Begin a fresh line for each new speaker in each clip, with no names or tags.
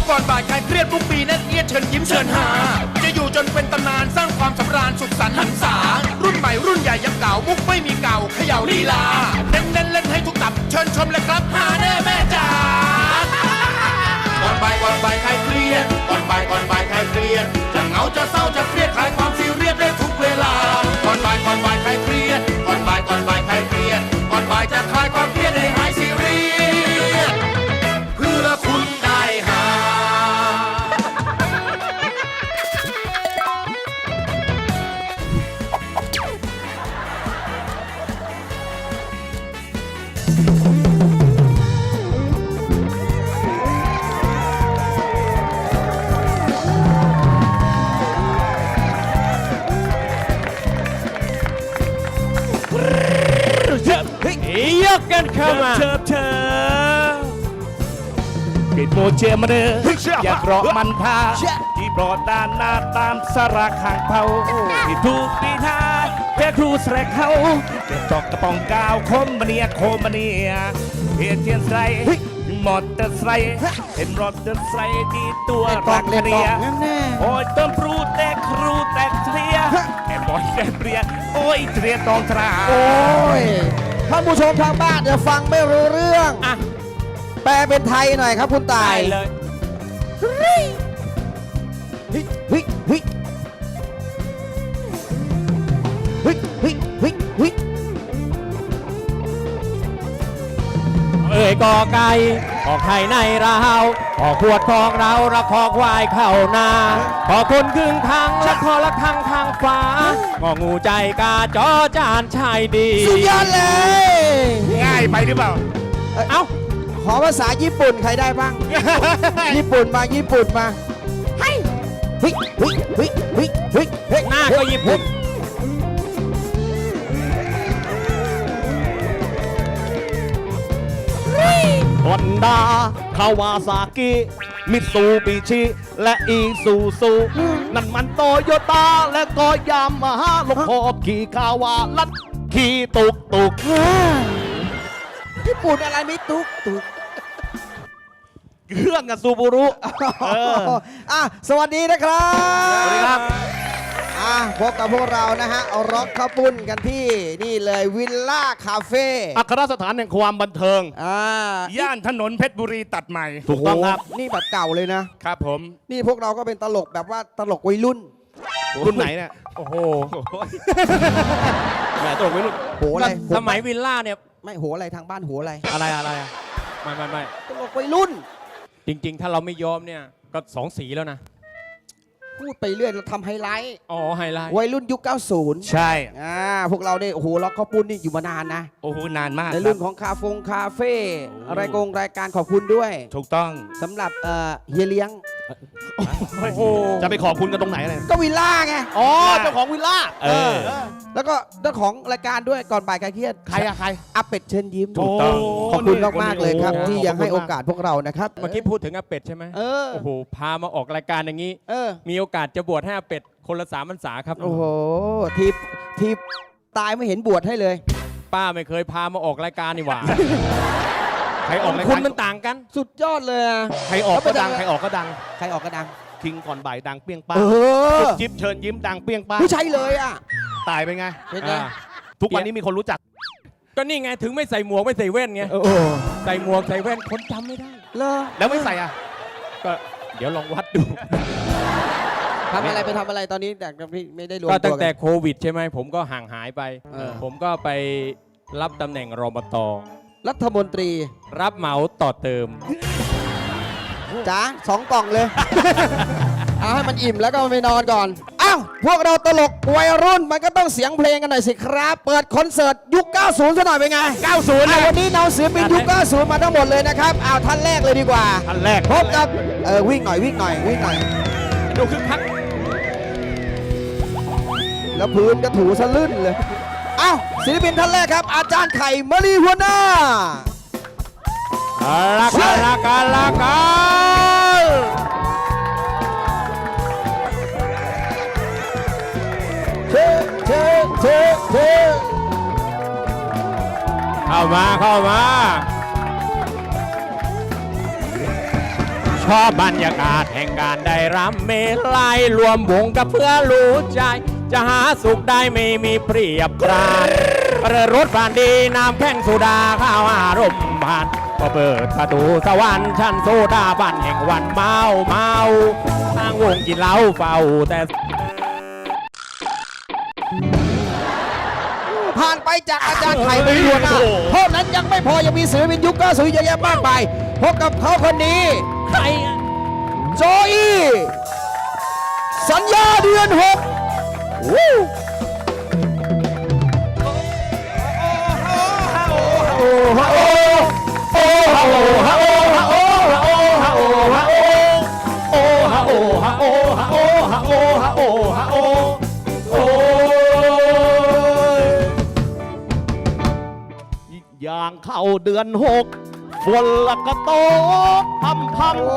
ก่อนบ่ายคลายเครียดทุกปีแน่นเอียดเชิญยิ้มเชิญหาจะอยู่จนเป็นตำนานสร้างความสำราญสุขสันต์หันษารุ่นใหม่รุ่นใหญ่ยังเก่ามุกไม่มีเก่าเขย่าลีลาเน้นเล่นให้ทุกตับเชิญชมเลยครับหาแน่แม่จ๋าก่อนบ่ายคลายเครียดก่อนบ่ายคลายเครียดจะเหงาจะเศร้าจะเครียดคลายความซีเรียสได้ทุกเวลาก่อนบ่ายคลายเครียดก่อนบ่ายคลายเครียดก่อนบ่ายจะคลายความเครียดให้หายซีเรียสเพื่อคุณได้หา
ยกกันเข้ามาเธอปิดโมเจมาเด้ออยากรอมันพาที่ปลอดด้านหน้าตามสระข้างเผาที่ถูกดีท่าเพื่อครูแสกเขาเก็บจอกกระป๋องกาวโคมเนียเทียนใส่มอเตอร์ไซค์เห็นรถเตอร์ไซค์ที่ตัวรักเรียโอ้ยต้นปรูแต่ครูแต่เทียแอบอยแต่เปรียโอ้ยเทียตองตรา
โอ้ยท่านผู้ชมทางบ้านเดี๋ยวฟังไม่รู้เรื่องแปลเป็นไทยหน่อยครับคุณตาย
เลย เอ่ยกอไก่ออกไข่ในเราออกขวดของเราระคอควายเข้านาขอคนครึ่งทางและคอละทางฟ้างองูใจกาจอจานชายดี
สุดยอดเลย
ง่ายไปหรือเปล่า
เอ้าขอภาษาญี่ปุ่นใครได้บ้าง ญี่ปุ่นมา
หน้าก็ญี่ปุ่นฮอนด้าคาวาซากิมิตซูบิชิและอีซูซูนั่นมันโตโยต้าและก็ยามาฮ่าลงพอบขี่คาวาลัดขี่ตุก
ญี่ปุ่นอะไรไม่ตุก
เครื่องกับซูบูรุ
สวัสดีนะครับ
สวัสดีครับ
พบกับพวกเรานะฮะเอาร็อกข้าวปุ้นกันที่นี่เลยวิลล่าคาเฟ่
อัครสถานแห่งความบันเทิง ย่านถนนเพชรบุรีตัดใหม่ถูกต้องครับ
นี่แบบเก่าเลยนะครับ
ผม
นี่พวกเราก็เป็นตลกแบบว่าตลกวัยรุ่น
รุ่นไหนเนี่ยโอ้โหแหมตลกวัยรุ่น
โหอะไร
สมัยวิลล่าเนี่ย
ไม่โหอะไรทางบ้านโหอะไร
ไม่
ตลกวัยรุ่น
จริงๆถ้าเราไม่ยอมเนี่ยก็2 สีแล้วนะ
พูดไปเรื่อยเราทำไฮไลท์
ไฮไลท์
วัยรุ่นยุค 90
ใช่
พวกเราเนี่ยโอ้โหล็อกข้าวปุ้นนี่อยู่มานานนะ
โอ้โหนานมาก
ในรุ่นของคาเฟ่รายการขอบคุณด้วย
ถูกต้อง
สำหรับเฮียเลี้ยง
จะไปขอบคุณกันตรงไหนเลย
ก็วิลล่าไง
เจ้าของวิลล่า
แล้วก็เจ้าของรายการด้วยก่อนบ่ายคลายเครียด
ใคร
อาเป็ดเชิญยิ้ม
ถูกต้อง
ขอบคุณมากๆเลยครับที่ยังให้โอกาสพวกเรานะครับ
เมื่อกี้พูดถึงอาเป็ดใช่ไหมโอ้โหพามาออกรายการอย่างนี้มีโอกาสจะบวชให้อาเป็ดคนละ3 พรรษาครับ
โอ้โหทีตายไม่เห็นบวชให้เลย
ป้าไม่เคยพามาออกรายการนี่หว่าใครออกรายการคุณมันต่างกัน
สุดยอดเลย
ใครออกก็ดังใครออกก็ดังคิงก่อนบ่ายดังเปี้ยงป้าจิ๊บเชิญยิ้มดังเปี้ยงป้า
ไม่ใช่เลย
ตายไปไงทุกวันนี้มีคนรู้จักก็นี่ไงถึงไม่ใส่หมวกไม่ใส่แว่นไงใส่หมวกใส่แว่นคนจำไม่ได้แล้วไม่ใส่ก็เดี๋ยวลองวัดดู
ทำอะไรไปทำอะไรตอนนี้แต่ไม่ได้รวมตัว
ก็ตั้งแต่โควิดใช่ไหมผมก็ห่างหายไปผมก็ไปรับตำแหน่งรมต.
รัฐมนตรี
รับเหมาต่อเติม
จ๋า2 กล่องเลยเอาให้มันอิ่มแล้วก็ไปนอนก่อนพวกเราตลกวัยรุ่นมันก็ต้องเสียงเพลงกันหน่อยสิครับเปิดคอนเสิร์ตยุค 90 ซะหน่อยเป็นไง
90
วันนี้เราศิลปินยุค 90 มาทั้งหมดเลยนะครับท่านแรกเลยดีกว่า
ท่านแรก
พบกับวิ่งหน่อย
ดูคึกคัก
แล้วพื้นก็ถูสะลื่นเลยศิลปินท่านแรกครับอาจารย์ไข่มะลีหัวหน้า
ลากา
เเข้ามา
เพราะบรรยากาศแห่งการได้รำเมลัยรวมวงกับเพื่อรู้ใจ จะหาสุขได้ไม่มีเปรียบปรานเรือรถผ่านดีน้ำแข้งสุดาข้าวอารมณ์ผ่านก็เปิดประตูสวรรค์ชั้นโซดาบันแห่งวันเมาทางวงกินเหล้าเฝ้าแต่
ผ่านไปจากอาจารย์ไข่ไปทั่วหน้าเท่านั้นยังไม่พอยังมีศิลปินยุค90เยอะแยะมากมายพบกับเขาคนนี้
ใครอะ
โจอี้สัญญาเดือน6วู้
อย่างเข้าเดือน6ฝนละก็ตกพัม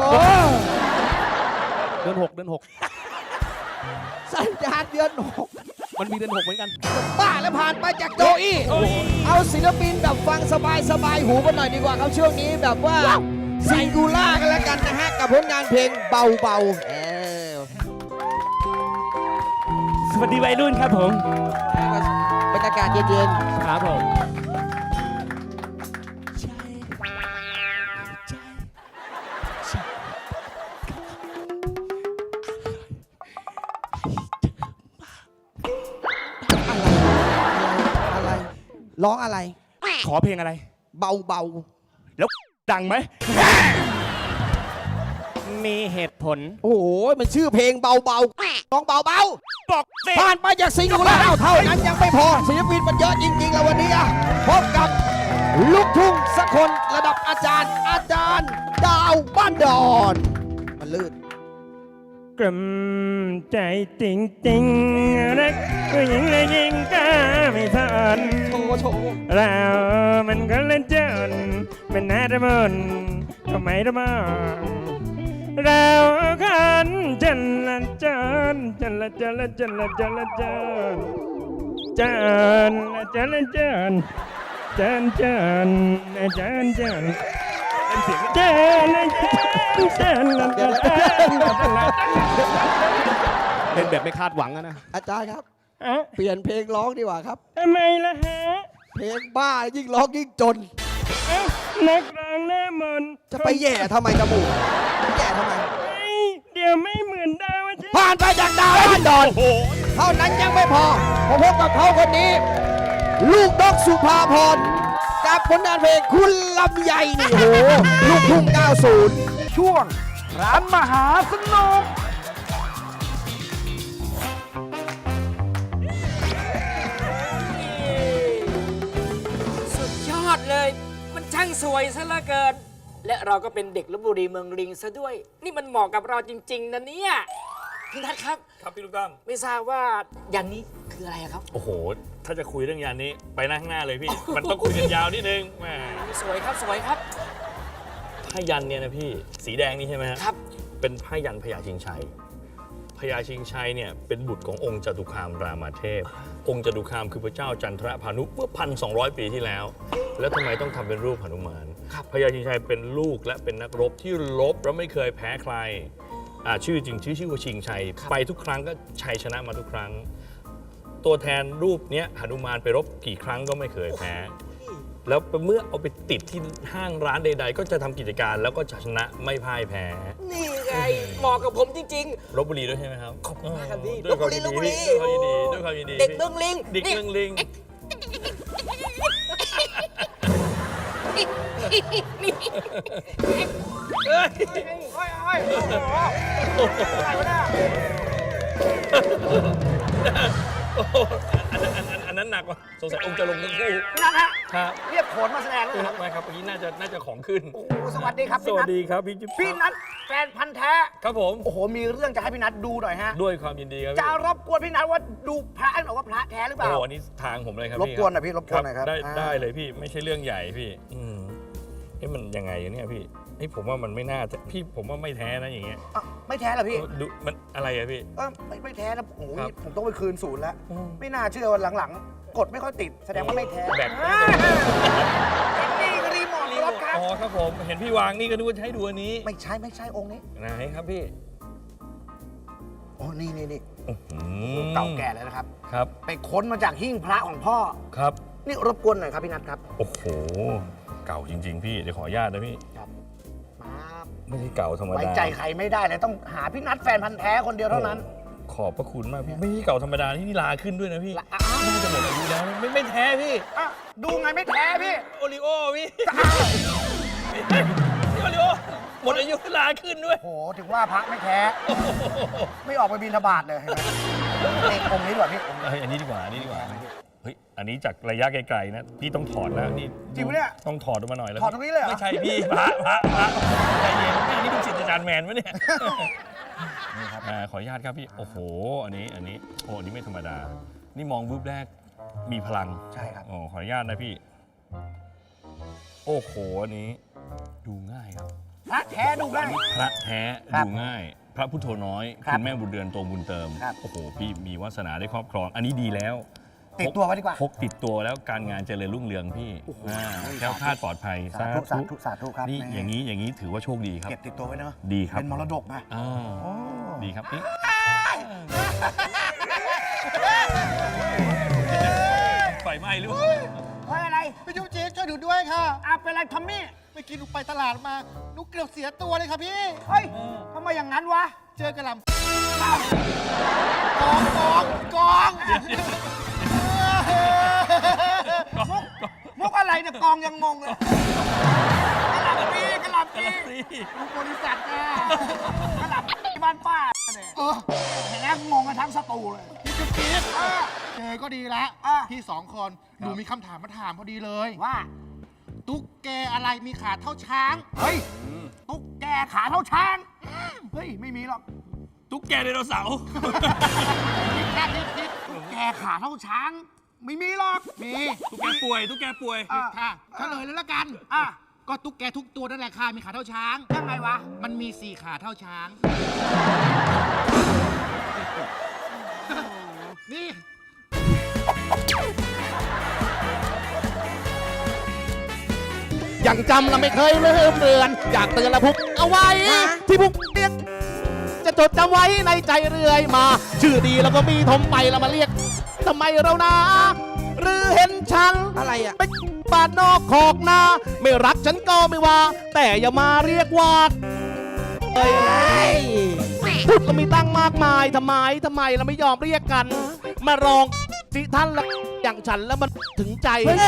เดือน 6
สัญญาเดือน
มันมีเดือน 6เหมือนกัน
6บ้าแล้วผ่านไปจากโจอี้เอาศิลปินแบบฟังสบายหูกันหน่อยดีกว่าครับช่วงนี้แบบว่าซิงคูล่ากันแล้วกันนะฮะกับผลงานเพลงเบา
สวัสดีวัยรุ่นครับผม
บรรยากาศเย็น
ครับผม
ๆอะไรร้องอะไร
ขอเพลงอะไร
เบา
แล้วดังไหม
มีเหตุผล
ๆโอ้โหมันชื่อเพลงเบาร้องเบา
บอกสิ
ๆผ่านไปจากซิงคูล่าเท่านั้นยังไม่พอศิลปินมันเยอะจริงๆแล้ววันนี้อะพบกับลูกทุ่งสักคนระดับอาจารย์ ดาวบ้านดอนมันลื่น
กลุ่มใจจริงๆรักผู้หญิงและยิงก็ไม่ทัน
โชว์
เรามันก็เล่นจนเป็นนาดมนก็ไม่ระมังเราขันจันละจันจันละจันละจันละจันละจันจันละจันละจันจันจันจันจันเป็นเสียงจันละจันละจันละจัน
เล่นแบบไม่คาดหวังอะนะ
อาจารย์ครับ
อะ
เปลี่ยนเพลงร้องดีกว่าครับ
ทำไมล่ะฮะ
เพลงบ้ายิ่งร้องยิ่งจน
เอ้านักร้องหน้ามนต์
จะไปแย่ทำไมจมูกแย่ทำไม
เฮ้ยเดี๋ยวไม่เหมือนดาวใช่
ผ่านไปจากดาวบ้านดอนเท่านั้นยังไม่พอผมพบกับเขาคนนี้ ลูกนกสุภาพรกับผลงานเพลงคุณลำไยนี่โหลูกทุ่ง90 ช่วงร้านมหาสนุก
สุดยอดเลย มันช่างสวยซะเหลือเกิน และเราก็เป็นเด็กลพบุรีเมืองลิงซะด้วย นี่มันเหมาะกับเราจริง ๆนะเนี่ยพี่นัทครับ
ครับพี่ลูกตั้ม
ไม่ทราบว่ายันนี้คืออะไรอะครับ
โอ้โห ถ้าจะคุยเรื่องยานนี้ไปนั่งข้างหน้าเลยพี่ มันต้องคุยกันยาวนิดนึงแหม
สวยครับสวยครับ
ผ้ายันเนี่ยนะพี่ สีแดงนี่ใช่ไหมฮะ
ครับ
เป็นผ้ายันพญาชิงชัย พญาชิงชัยเนี่ยเป็นบุตรขององค์จตุคามรามเทพ องค์จตุคามคือพระเจ้าจันทรพานุเมื่อ 1,200 ปีที่แล้ว แล้วทำไมต้องทำเป็นรูปหนุมาน พญาชิงชัยเป็นลูกและเป็นนักรบที่รบแล้วไม่เคยแพ้ใคร ชื่อจริงชื่อว่าชิงชัย ไปทุกครั้งก็ชัยชนะมาทุกครั้ง ตัวแทนรูปเนี้ยหนุมานไปรบกี่ครั้งก็ไม่เคยแพ้ แล้วเมื่อเอาไปติดที่ห้างร้านใด ๆ ก็จะทำกิจการแล้วก็จะชนะไม่พ่ายแพ้
นี่ไงเหมาะกับผมจริง
ลพบุรีด้วยใช่ไหมครับ
ขอบคุณมากครับพี่
ด้วยความยิน
ลพบุรี
ดีด้วยความยินดีด้วยความยินดี
ๆ เด็กเมืองลิง
เด็กเมืองลิง อันนั้นหนักว่ะสงสัยองค์จะลงทั้งคู่
พี่นัทฮะ
ครับ
เรียกโขนมาแสดงเลยครับ
ไม่ครับเมื่อกี้น่าจะของขึ้น
โอ้โหสวัสดีครับ
ส
พี่
วั
นั
ส
ท
ดีครับพี่จิ๊บ
พี่นัทแฟนพันธ์แท้
ครับผม
โอ้โห มีเรื่องจะให้พี่นัทดูหน่อยฮะ
ด้วยความยินดีครับ
จะ
พี่
รบกวนพี่นัทว่าดูพระให้หน่อยว่าพระแท้หรือเป
โอ้
ล่า
โหอันนี้ทางผมเลยครับ
รบกวนหน่อยพี่รบกวนหน่อยครับ
ได้
อ่า
ได้เลยพี่ไม่ใช่เรื่องใหญ่พี่มันยังไงเนี่ยพี่ผมว่ามันไม่น่าจะพี่ผมว่าไม่แท้นะอย่างเงี้ย
อ่ะไม่แท้เหรอพี่
ดูมันอะไรอะพี่
ไม่แท้นะโอ้โห
ครับ
ผมต้องไปคืนศูนย์แล้ว ไม่น่าเชื่อว่าหลังๆ กดไม่ค่อยติด แสดงว่าไม่แท้
แบต
อ่านี่รีโมทรถใคร
อ๋อครับผมเห็นพี่วางนี่ก็ดูว่าจะให้ดูอันนี้
ไม่ใช่องค์นี้
ไหนครับพี่
โอ้นี่
อืม
เก่าแก่เลยนะครับ
ครับ
ไปค้นมาจากหิ้งพระของพ่อ
ครับ
นี่รบกวนหน่อยครับพี่นัทครับ
โอ้โหเก่าจริง ๆ พี่เดี๋ยวขออนุญาตนะพี่
มา
ไม่ใช่เก่าธรรมดา
ไว้ใจใครไม่ได้เลยต้องหาพี่นัทแฟนพันธ์แท้คนเดียวเท่านั้น
ขอบพระคุณมากพี่ไม่ใช่เก่าธรรมดาที่นี่ลาขึ้นด้วยนะพี่
ละอ้าว
น่าจะหมดอายุแล้วไม่แท้พี่
อ่ะดูไงไม่แท้พี่
โอริโอพี่โอริโอหมดอายุลาขึ้นด้วย
โอ้โหถึงว่าพระไม่แท้ ไม่ออกไปบิณฑบาตเลยเห็นไหมนี่องค์นี้ดีกว่าพี่องค์นี้
เฮ้ยอันนี้ดีกว่าเฮ้ยอันนี้จากระยะไกลๆนะพี่ต้องถอดแล้วนี่
จริงปะเนี่ย
ต้องถอดออกมาหน่อยแล้ว
ถอดตรงนี้เลยเหรอ
ไม่ใช่พี่พระใจเย็นนี่เป็นศิษย์อาจารย์แมนวะเนี่ยนี่ครับขออนุญาตครับพี่โอ้โหอันนี้โอ้อันนี้ไม่ธรรมดา นี่มองวูบแรกมีพลัง
ใช่ครับ
โอ้ขออนุญาตนะพี่ โอ้โหอันนี้ดูง่ายครับ
พระแท้ดูได้
พระแท้
ครับ
ดูง่าย พระพุทโธน้อย
ครับ
ณแม่บุญเดือนโตบุญเติม
ครับ
โอ้โหพี่มีวาสนาได้ครอบครอง อันนี้ดีแล้ว
ติดตัวไว้ดีกว่า
พกติดตัวแล้วการงานเจริญรุ่งเรืองพี่แคล้วคลาดปลอดภัย
สาธุสาธุสาธุครับ
นี่
แม่
อย่างนี้ถือว่าโชคดีครับ
เก็บติดตัวไว้เนอะ
ดีครับ
เป็นมรดกนะ
อ่า
โอ้
ดีครับนี่ไฟไหม้หรือเปล่า
เฮ้ยอะไร
พี่จุ๊บจิ๊บช่วยดูด้วยค่ะ
อ่ะเป็นไรทอมมี่
เมื่อกี้หนูไปตลาดมาหนูเกือบเสียตัวเลยค่ะพี่
เฮ้ยทำไมอย่างนั้นวะ
เจอกระหล่ำกอง
มุกอะไรเนี่ยกองยังงงเลยกระหล่ำปีลูกบริษัทนะกระหล่ำปีบ้านป้าเนี่ย
เออ
เห็นแล้วงงกันทั้งสตูเลย
พี่จุ๊บจิ๊บ
อ่ะ
เจอก็ดีละ
อ่ะ
พี่สองคนหนูมีคำถามมาถามพอดีเลย
ว่า
ตุ๊กแกอะไรมีขาเท่าช้าง
เฮ้ย ตุ๊กแกขาเท่าช้าง เฮ้ย ไม่มีหรอก
ตุ๊กแกไดโนเสาร์
คิดแค่คิด
ตุ๊กแกขาเท่าช้าง ไม่มีหรอก
มี
ตุ๊กแกป่วยตุ๊กแกป่วย
อ่ะ
ค่ะเฉลยเลยละกัน
อ่ะ
ก็ตุ๊กแกทุกตัวนั่นแหละค่ะมีขาเท่าช้าง
ยังไงวะ
มันมี4ขาเท่าช้าง นี่
ยังจำเราไม่เคยลืมเลือน อยากเตือนละพุกเอาไว้ ที่พุกเรียกจะจดจำไว้ในใจเรื่อยมา ชื่อดีแล้วก็มีทมไปแล้วมาเรียกทำไมเรานะ หรือเห็นฉัน
อะไรอ่ะ
เป็นปาดนอกขอกนา ไม่รักฉันก็ไม่ว่า แต่อย่ามาเรียกว่าเอ้ยพูดก็มีตั้งมากมายทำไมเราไม่ยอมเรียกกัน มาลองสิท่านละอย่างฉันแล้วมันถึงใจ
เฮ้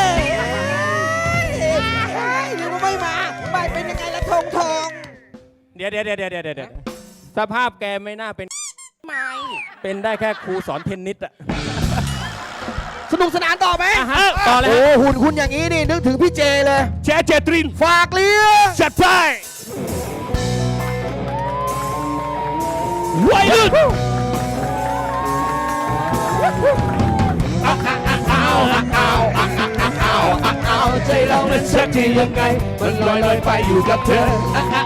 ยหรือว่าไม่มาไปเป็นยังไงละทองทอง
เดี๋ยวสภาพแกไม่น่าเป็น
ไม่
เป็นได้แค่ครูสอนเทนนิสอะ
สนุกสนานต่อไหม
อ่ะฮะต่อเลย
โอ้
ฮะ
หุ่นคุณอย่างนี้นี่นึกถึงพี่เจเลย
แชร์เจตริน
ฝากเลี้ยง
จัดไปวัยรุ่นเอาใจเรานั้นสักทียังไง มันลอยไปอยู่กับเธอ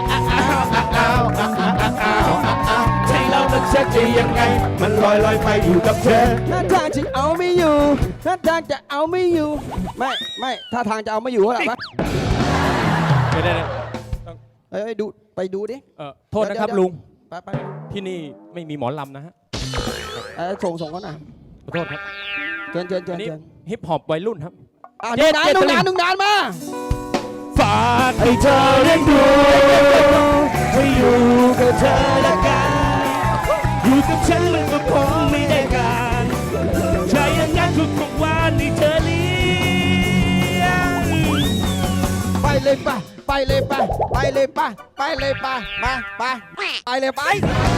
ใจเรานั้นสักทียังไง มันลอยไปอยู่กับเธอ
ท่าทางจะเอาไม่อยู่ท่าทางจะเอาไม่อยู่ ไม่ท่าทางจะเอาไม่อยู่เหรอปะ
เดี๋ยว
เอ้ยดูไปดูดิ
โทษนะครับ
เดี๋ยว
ลุง
ไป
ที่นี่ไม่มีหมอลำนะฮะ
ส่งเขาหน่อย
ขอโทษครับ
เชิญ
อันนี้ฮิปฮอปวัยรุ่นครับ
ดูนานมา
ฝากให้เธอได้ดูให้อยู่กับเธอละกันอยู่กับฉันมันก็คงไม่ได้การใช่อย่างนั้นทุกวันที่เธอเลี้ยง
ไปเลยไปไปเลยไปไปเลยไปไปเลยไปมาไปไปเลยไป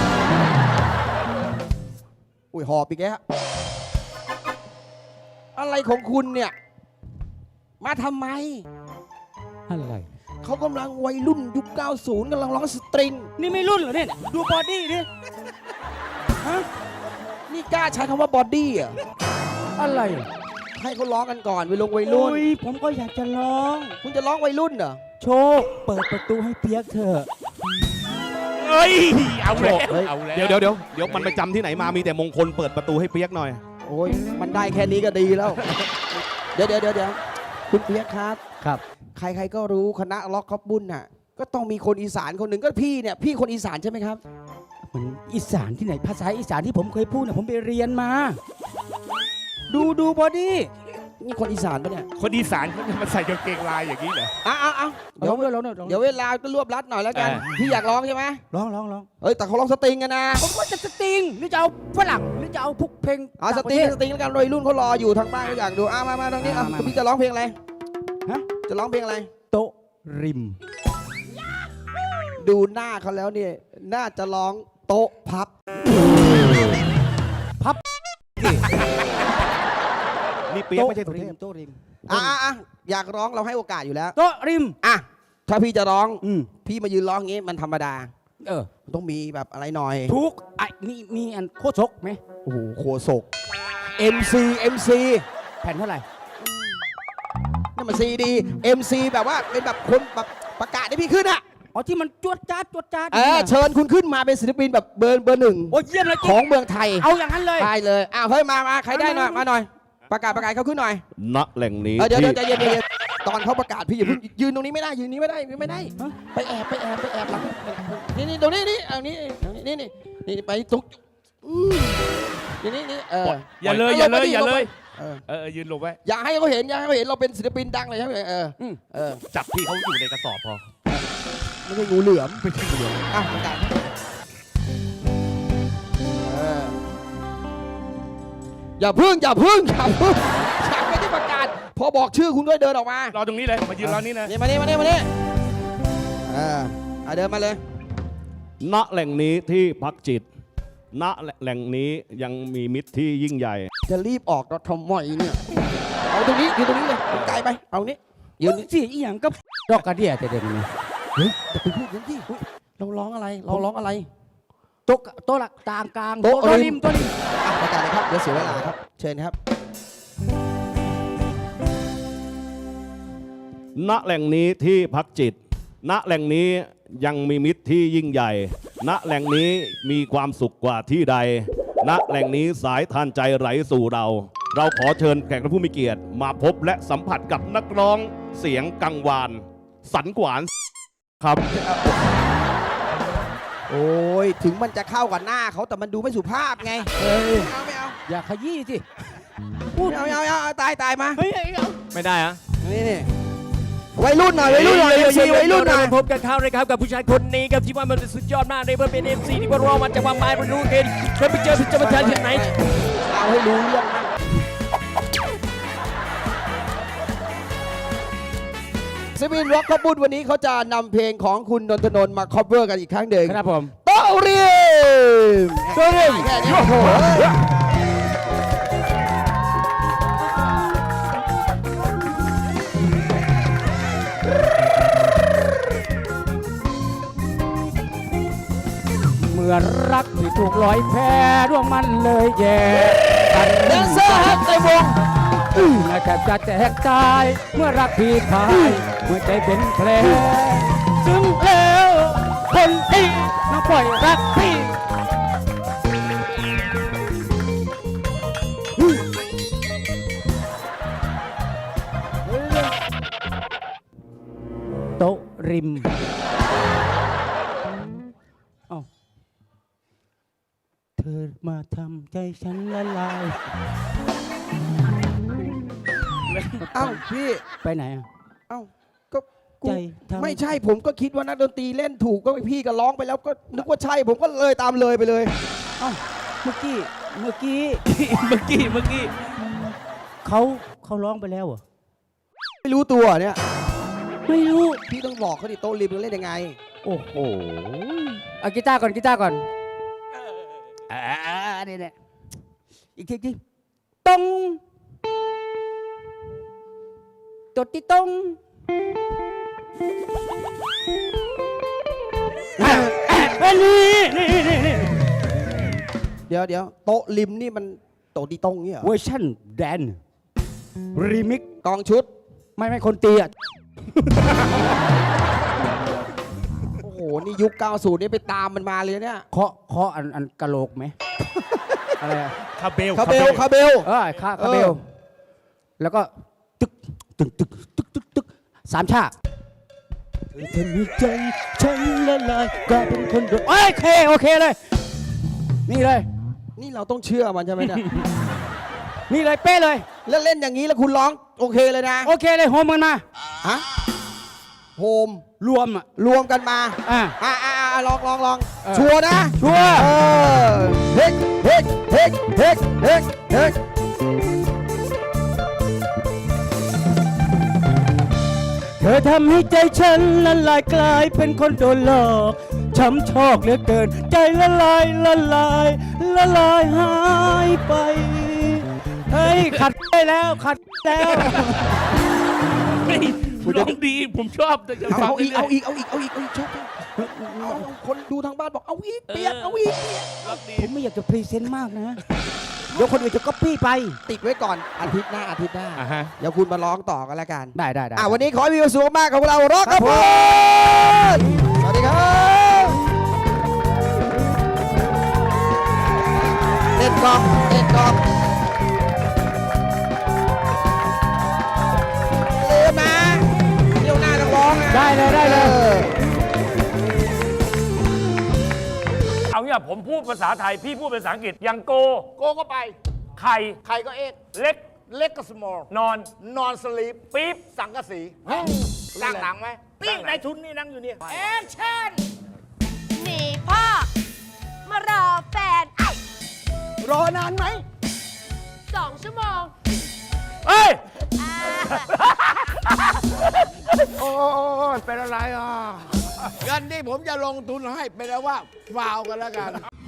อุ้ยหอบอีกแล้วอะไรของคุณเนี่ย มาทำไม
อะไร
เขากำลังวัยรุ่นยุค 90กำลังร้องสตริง
นี่ไม่รุ่นเหรอเนี่ย ดูบอดี้ดิ
นี่กล้าใช้คำว่าบอดี้อ่ะ
อะไร
ให้เขาร้องกันก่อนวัยรุ่น
ผมก็อยากจะร้อง
คุณจะร้องวัยรุ่นเหรอ
โชค เปิดประตูให้เปียกเถอะ
เอ้ยเอาแล้ว
เฮ้ย
เอาแล้ว
เดี๋ยวมันไปจำที่ไหนมามีแต่มงคลเปิดประตูให้เปียกหน่อย
โอ้ยมันได้แค่นี้ก็ดีแล้ว เดี๋ยวคุณเปียกครับ
ครับ
ใครๆก็รู้คณะล็อกคอบบุญน่ะ ก็ต้องมีคนอีสานคนหนึ่งก็พี่เนี่ย พี่คนอีสานใช่ไหมครับ
มันอีสานที่ไหนภาษาอีสานที่ผมเคยพูดเนี่ยผมไปเรียนมา ดูบอดี้
นี่คนอีสานปะเนี่ย
คนอีสานเขาจะมาใส่กางเกงลายอย่างนี้เหรอ
เอาเดี๋ยว
ร้องด้วย
เดี๋ยวเวลาก็รวบรัดหน่อยแล้วกัน พี่อยากร้องใช่ไหม
ร้อง
เอ้ยแต่เขาร้องสตริงกันนะ
ผมก็จะสตริงหรือจะเอาฝรั่งหรือจะเอาพวกเพลง
เอาสตริงแล้วกันวัยรุ่นเขารออยู่ทางบ้านเขาอยากดูมาทางนี้คุณพี่จะร้องเพลงอะไร
ฮะ
จะร้องเพลงอะไร
โต๊ะริม
ดูหน้าเขาแล้วเนี่ยน่าจะร้องโต๊ะพับ
นี่เปียกไม่ใช่สุเทพ
โต๊ะริม
อยากร้องเราให้โอกาสอยู่แล้ว
โต๊ะริม
อ่ะถ้าพี่จะร้อง
พี่
พี่มายืนร้องอย่างงี้มันธรรมดา
มัน
ต้องมีแบบอะไรหน่อย
ทุกไอ้นี่มีอันโคตรชกไหม
โอ้โหโคศก MC
แผ่นเท่าไหร่
นี่มัน CD MC แบบว่าเป็นแบบคนแบบประกาศให้พี่ขึ้นอ่ะ
อ๋อที่มันจวดจ้าด
เชิญคุณขึ้นมาเป็นศิลปินแบบเบอร์หนึ่ง
โอ้ยเยี่ยมเลย
ของเมืองไทย
เอาอย่างนั้นเลย
ได้เลยเฮ้ยมาใครได้หน่อยมาหน่อย ประกาศเขาขึ้นหน่อย
ณแหล่งนี้
เดี๋ยว
ที่
ใจเย็นๆตอนเขาประกาศพี่อย่าเพิ่งยืนตรงนี้ไม่ได้ยืนนี้ไม่ได้ไปแอบหลังนี่ตรงนี้เอานี่ไปตรงนี่
อย่าเลยยืนหลบไว้
อย่าให้เขาเห็นเราเป็นศิลปินดังเลยใช่ไหม
จับพี่เขาอยู่ในกระสอบพอ
ไม่ใช่งูเหลือมประกาศอย่าพึ่งยังไม่ได้ประกาศพอบอกชื่อคุณก็เดินออกมาร
อตรงนี้เลยมายืนรอนี่นะ
นี่มานี่เดินมาเลย
ณแหล่งนี้ที่พักจิต ณแหล่งนี้ยังมีมิตรที่ยิ่งใหญ่
จะรีบออกเราทำไมเนี่ยเอาตรงนี้ยืนตรงนี้เลยไกลไปเอานี้ยืน
สิอีหยังก็ดอกกระเดียแต่เด็กนี่
เฮ้ยจะไปพูดอย่างที่เราร้องอะไร
โต๊ะหลักกลาง
โต๊ะ
ริมโต๊ะริม
ประกาศเลยครับเดี๋ยวเสียเวลาครับเชิญครับ
ณแหล่งนี้ที่พักจิต ณแหล่งนี้ยังมีมิตรที่ยิ่งใหญ่ ณแหล่งนี้มีความสุขกว่าที่ใด ณแหล่งนี้สายทานใจไหลสู่เรา เราขอเชิญแขกผู้มีเกียรติมาพบและสัมผัสกับนักร้องเสียงกังวาน สันกวานครับ
โอ้ยถึงมันจะเข้ากับหน้าเขาแต่มันดูไม่สุภาพไงไม่เอา
อย่าขยี้สิ
เอาตายมา
ไม่ได้อะ
นี่วัยรุ่นหน่อยMC วัยรุ่นหน่อย
พบกันเข้าเลยครับกับผู้ชายคนนี้ครับที่ว่ามันสุดยอดมากเลยเพื่อเป็น MC ที่ว่าเรามาจากความหมายมันรู้เกินเคยไปเจอจะมาแทนที่ไหน
เอาให้รู้เรื่องนะศิลปินร็อกคอบุญวันนี้เขาจะนำเพลงของคุณนนทนนท์มาคอเวอร์กันอีกครั้งหนึ่ง
ครับผม
โต๊ะริมแค่นี้โอ้โห
เมื่อรักที่ถูกลอยแพร่วงมันเลยแย่กัน
แดนเซอร์ครับในวง
แทบจะแตกตายเมื่อรักพี่พายเมื่อใจเป็นแผลซึ่งแล้วคนที่น้องปล่อยรักพี่โต๊ะริมเอ้าเธอมาทำใจฉันละลาย
เอ้าพี่
ไปไหนอ่ะ
เอ้าก็กู
ใจทำ
ไม่ใช่ผมก็คิดว่านักดนตรีเล่นถูกก็พี่ก็ร้องไปแล้วก็นึกว่าใช่ผมก็เลยตามเลยไปเลย
เอ้าเมื่อกี้
เมื่อกี้
เขาร้องไปแล้วเหรอ
ไม่รู้ตัวเนี่ย
ไม่รู้
พี่ต้องบอกเขาดิโต๊ะริมมันเล่นยังไง
โอ้โหเอากีตาร์ก่อนเนี่ยอีกทีตรงตดที่ตรงนี่
เดี๋ยวโต๊ะริมนี่มันโต๊ะดีตรงเนี่ยเหรอ
เวอร์ชันแดนรีมิก
กองชุด
ไม่คนตีอ่ะ
โอ้โห นี่ยุค 90 นี่ไปตามมันมาเลยเนี่ย
เคาะอันกะโหลกไหม อะไรอะ
คาเบล
คาเบล
คาเบล แล้วก็ตึกตึกตึกตึกตึกตึกสามชาเธอทำให้ใจฉันละลายกลายเป็นคนโดดโอเคเลย นี่เลย
นี่เราต้องเชื่อมันใช่ไหมเนี่ย
นี่เลยเป๊ะเลย
แล้วเล่นอย่างนี้แล้วคุณร้องโอเคเลยนะ
โอเคเลยโฮมกันมา
ฮะโฮม
รวมอ่ะ
รวมกันมา
อ่ะ
ลองชัวร์นะ
ชัวร์
เฮ้เฮ้เฮ้เฮ้เฮ้เฮ้
เธอทำให้ใจฉันละลายกลายเป็นคนโดนหลอกช้ำชอกเหลือเกิน ใจละลายละลายละลายหายไป เฮ้ย ขัดได้แล้ว ขัดแล้ว
ร้องดีผมชอบแต่จะฟัง
เอาอีก
รื่ยๆ
เอาอีกชอบเอาคนดูทางบ้านบอกเอาอีกเปียกเอาอีก
ผมไม่อยากจะพรีเซนต์มากนะ เดี๋ยวคนอื่นจะก๊อปปี้ไป
ติดไว้ก่อนอาทิตย์หน้า
อ่าฮะ
เดี๋ยวคุณมาร้องต่อกันแล้วกัน
ได้
วันนี้ขอให้มีความสุขมากของเราร็อกครับผมสวัสดีครับเล่นกองเล่นกองเร็วนะเดี๋ยวหน้าต้องร้องนะ
ได้เลย
เอาเนี่ยผมพูดภาษาไทย พี่พูดภาษาอังกฤษอย่างโก
โกก็ไป
ไข่
ไข่ก็เอ็ก
เล็ก
เล็กก็ small
นอน
นอนสลีป
ปี๊บ
สังกะสีสร้างหนังไหมนี่นายทุนนี่นั่งอยู่เนี่ยแอคชั่น
หนีพ่อ มารอแฟน
รอนานไหม
2 ชั่วโมง
เอ้ย
โอ้ยเป็นอะไรอ่ะเงินที่ผมจะลงทุนให้เป็นว่าฟาวกันแล้วกัน